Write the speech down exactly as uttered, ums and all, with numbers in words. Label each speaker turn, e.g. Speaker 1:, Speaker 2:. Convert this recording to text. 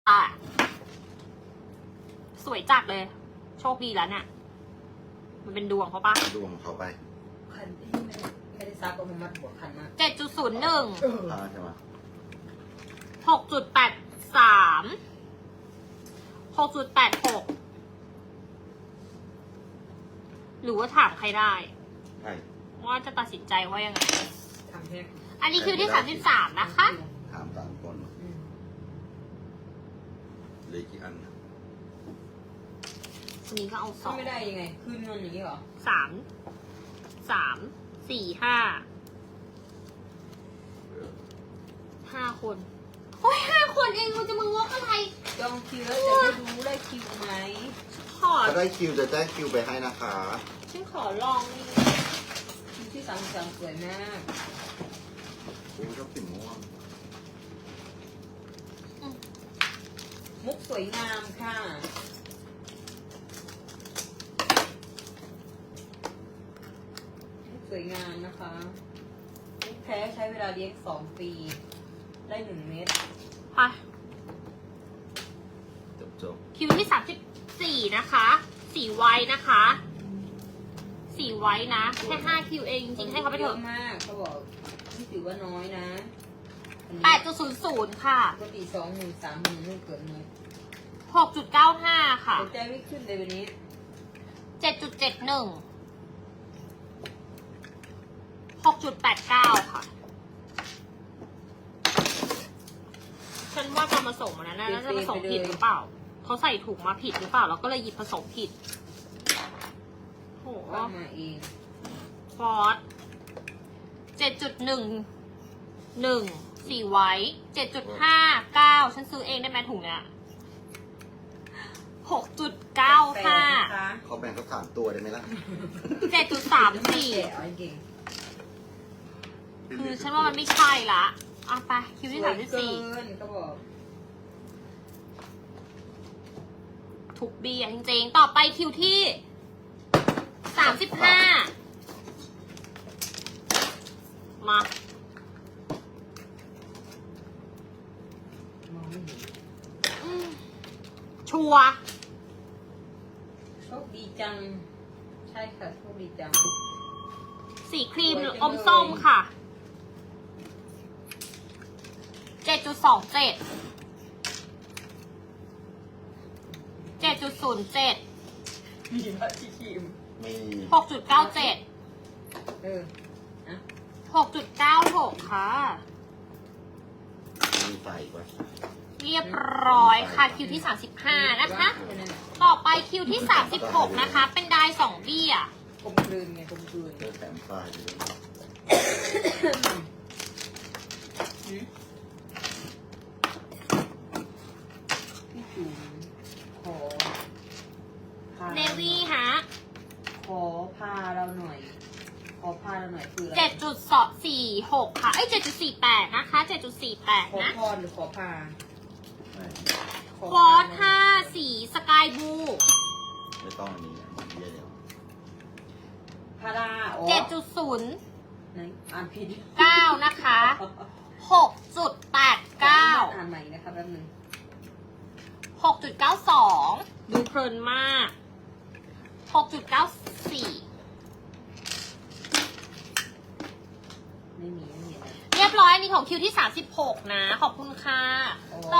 Speaker 1: อ่ะสวยจัดเลย โชคดีแล้วเนี่ยมันเป็นดวงเขาปะ
Speaker 2: ดวงเขาไป
Speaker 3: คันที่ไม่ได้ไม่ได้ซักก็มันมัดหัวคันมาก
Speaker 1: เจ็ดจุดศูนย์หนึ่ง
Speaker 2: พาใช่ไหม
Speaker 1: หกจุดแปดสามหกจุดแปดหกหรือว่าถามใครได้
Speaker 2: ใช่
Speaker 1: ว่าจะตัดสินใจว่ายังไง
Speaker 3: ทำแค่
Speaker 1: อันนี้คิวที่สามสิบสามนะคะ
Speaker 2: ถามตามก่อน
Speaker 3: อืม
Speaker 2: เหลยกี่อันนะ
Speaker 1: วันนี้ก็เอาส
Speaker 3: ก็
Speaker 1: อง
Speaker 3: ไม่ได้ยังไงคืนเงินอย่างนี้เหรอ
Speaker 1: สามสามสี่ห้าห้าคนโอ้ยห้าคนเองมันจะมางกอะไร
Speaker 3: จองคิวแล้วจะได้รู้ได้คิวไหม
Speaker 1: ขอ
Speaker 2: ถ้าได้คิวจะแจ้งคิวไปให้นะคะ
Speaker 1: ฉันขอลองนี่
Speaker 3: คิวที่สามสามสวยมาก
Speaker 2: กูชอบสีม่วง
Speaker 3: มุกสวยงามค่ะมุกสวยงามนะคะมุกแท้ใช้เวลาเลี้ยงสองปี ได้หนึ่งเม็ด
Speaker 1: ไป
Speaker 2: จบจบ
Speaker 1: คิวที่สามสิบสี่นะคะสีไว้นะคะสีไว้นะแค่ห้าคิวเองจริงๆให้เขาไปเถอะ
Speaker 3: ยมากเขาบอกนี่ถือว่าน้อยนะอันนี้
Speaker 1: แปดจุดศูนย์ศูนย์ค่ะ
Speaker 3: ปกติสองหมื่นสามหมื่นไม่เกินนี้
Speaker 1: หกจุดเก้าห้าค่ะ
Speaker 3: หัวใจไม่ขึ้นเลยวันนี้
Speaker 1: เจ็ดจุดเจ็ดหนึ่งหกจุดแปดเก้าค่ะฉันว่าตอนผสมอันนั้นน่ะน่าจะผสมผิดหรือเปล่าเขาใส่ถุงมาผิดหรือเปล่าเราก็เลยหยิบผสมผิดโห
Speaker 3: ว่ามาเอง
Speaker 1: ฟอสเจ็ดจุดหนึ่งหนึ่งสี่ไว้เจ็ดจุดห้าเก้าฉันซื้อเองได้ไหมถุงเนี้ยหกจุดเก้าห้า
Speaker 3: แปลกนะคะ
Speaker 2: เขาแบ่งสักสามตัวได้ไหมล่ะ
Speaker 1: เจ็ดจุดสามสี่
Speaker 3: แกะเอาเก่ง
Speaker 1: คือฉันว่ามันไม่ใช่ละอ่ะไปคิวที่
Speaker 3: สว
Speaker 1: สาย มสิบ
Speaker 3: เกิ
Speaker 1: สี่
Speaker 3: นก็บอก
Speaker 1: ถูกบีอ่ะจริงๆต่อไปคิวที่สามสิบห้ามา
Speaker 3: มองไม่เห็น
Speaker 1: อืมชัวร์
Speaker 3: โชคดีจัง ใช่ค่ะโชคดีจัง
Speaker 1: สีครีม
Speaker 3: สวยจังเลย
Speaker 1: อมส้มค่ะเจ็ดจุดสองเจ็ดเจ็ดจุดศูนย์เจ็ด
Speaker 3: มีมาที่ครีม
Speaker 2: มี
Speaker 1: หกจุดเก้าเจ็ด
Speaker 3: เออนะ
Speaker 1: หกจุดเก้าหกค่ะ
Speaker 2: มีใส่ไว้
Speaker 1: เรียบร้อยค่ะคิวที่สามสิบห้านะคะ
Speaker 3: แค่นั้นแหละ
Speaker 1: ต่อไปคิวที่สามสิบหกนะคะ เป็นได้สองเบี้ย
Speaker 3: กลมกลืนไงกลมกลืน
Speaker 2: เจอแถมปลายอยู่ด้วย
Speaker 3: หืมพี่จุ๋มขอพา
Speaker 1: เนวี่ฮะ
Speaker 3: ขอพาเราหน่อย ขอพาเราหน่อยคืออะไร
Speaker 1: เจ็ดจุดสองสี่หกค่ะ เอ้ยเจ็ดจุดสี่แปดนะคะเจ็ดจุดสี่แปด
Speaker 3: ขอ
Speaker 1: นะ
Speaker 3: พรหรือขอพา
Speaker 2: ไม่
Speaker 3: ขอ
Speaker 1: ฟอ
Speaker 3: พา
Speaker 1: สห้าสีสกายบลู
Speaker 2: ไม่ต้องอันนี้อันนี้เบี้ยเดียว
Speaker 3: พาราอ๋อ
Speaker 1: เจ็ดจุดศูนย์
Speaker 3: ไหนอ่านผิด
Speaker 1: เก้านะคะหกจุดแปดเก้า
Speaker 3: อ่านใหม่นะคะแป๊บนึง
Speaker 1: หกจุดเก้าสองดูเพลินมากหกจุดเก้าสี่
Speaker 3: ไม่มีไม่มีอะไร
Speaker 1: เรียบร้อยอันนี้ของคิวที่สามสิบหกนะ ขอบคุณค่ะ
Speaker 3: อ๋อ